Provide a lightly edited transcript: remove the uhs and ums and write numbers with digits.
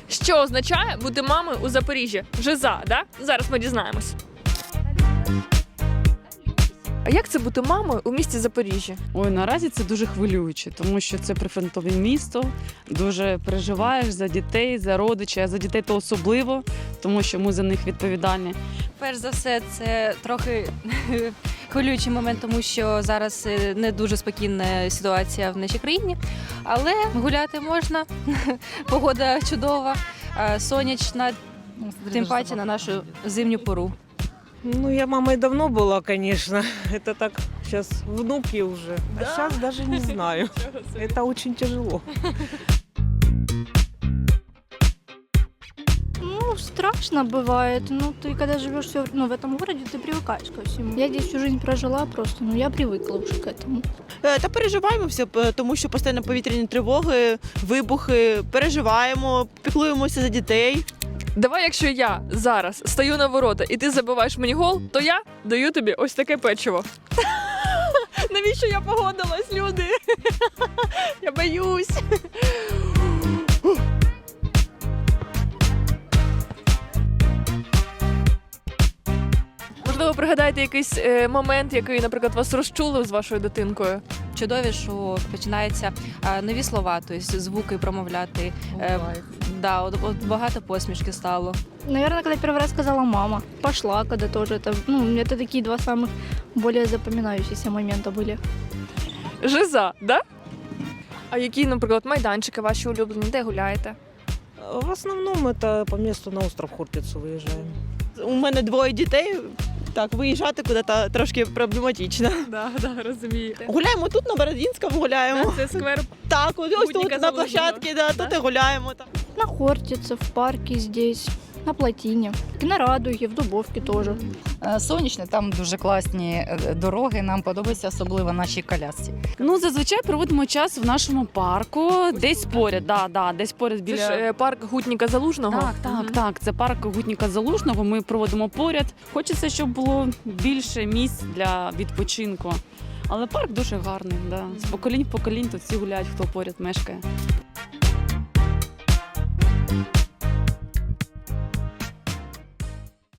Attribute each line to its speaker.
Speaker 1: Що означає бути мамою у Запоріжжі? Жиза, да? Зараз ми дізнаємось. А як це бути мамою у місті Запоріжжя?
Speaker 2: Ой, наразі це дуже хвилююче, тому що це прифронтове місто, дуже переживаєш за дітей, за родичів, а за дітей то особливо, тому що ми за них відповідальні.
Speaker 3: Перш за все, це трохи хвилюючий момент, тому що зараз не дуже спокійна ситуація в нашій країні, але гуляти можна, погода чудова, сонячна, тим паче на нашу зимню пору.
Speaker 4: Ну, я мамой давно была, конечно. Это так, сейчас внуки уже. А сейчас даже не знаю. Это очень тяжело.
Speaker 5: Ну, страшно бывает. Ну, ты когда живешь в этом городе, ты привыкаешь ко всему. Я здесь всю жизнь прожила просто, я привыкла уже к этому.
Speaker 6: Та переживаємо все, тому що постійно повітряні тривоги, вибухи, переживаємо, піклуємося за дітей.
Speaker 1: Давай, якщо я зараз стою на ворота і ти забиваєш мені гол, то я даю тобі ось таке печиво. Навіщо я погодилась, люди? Я боюсь. Можливо, пригадаєте якийсь момент, який, наприклад, вас розчулив з вашою дитинкою?
Speaker 3: Чудові, що починаються нові слова, тобто звуки промовляти. Да, от багато посмішки стало.
Speaker 5: Наверное, когда первый раз сказала мама. Пошла, когда тоже. Это такие два самых более запоминающиеся момента были.
Speaker 1: Жиза, да? А які, наприклад, майданчики ваші улюблені, де гуляєте?
Speaker 4: В основном это по месту на остров Хортицу выезжаем.
Speaker 6: У мене двоє дітей, так, виїжджати куди-то трошки проблематично.
Speaker 1: Да, розумієте.
Speaker 6: Гуляємо тут, на Бородінському гуляємо.
Speaker 1: Це сквер.
Speaker 6: Так, ось
Speaker 1: Гутніка
Speaker 6: тут на
Speaker 1: Залужного.
Speaker 6: площадці, да, тут і гуляємо. Так.
Speaker 5: На Хортице, в парке здесь, на Плотине, на Радуге, в Дубовке тоже.
Speaker 7: Сонячне, там дуже класні дороги, нам подобається особливо нашій колясці.
Speaker 2: Ну, зазвичай проводимо час в нашому парку, десь поряд, десь поряд
Speaker 1: Це
Speaker 2: біля...
Speaker 1: ж парк Гутніка Залужного.
Speaker 2: Так, це парк Гутніка Залужного, ми проводимо поряд. Хочеться, щоб було більше місць для відпочинку. Але парк дуже гарний, да. З поколінь в поколінь тут всі гуляють, хто поряд мешкає.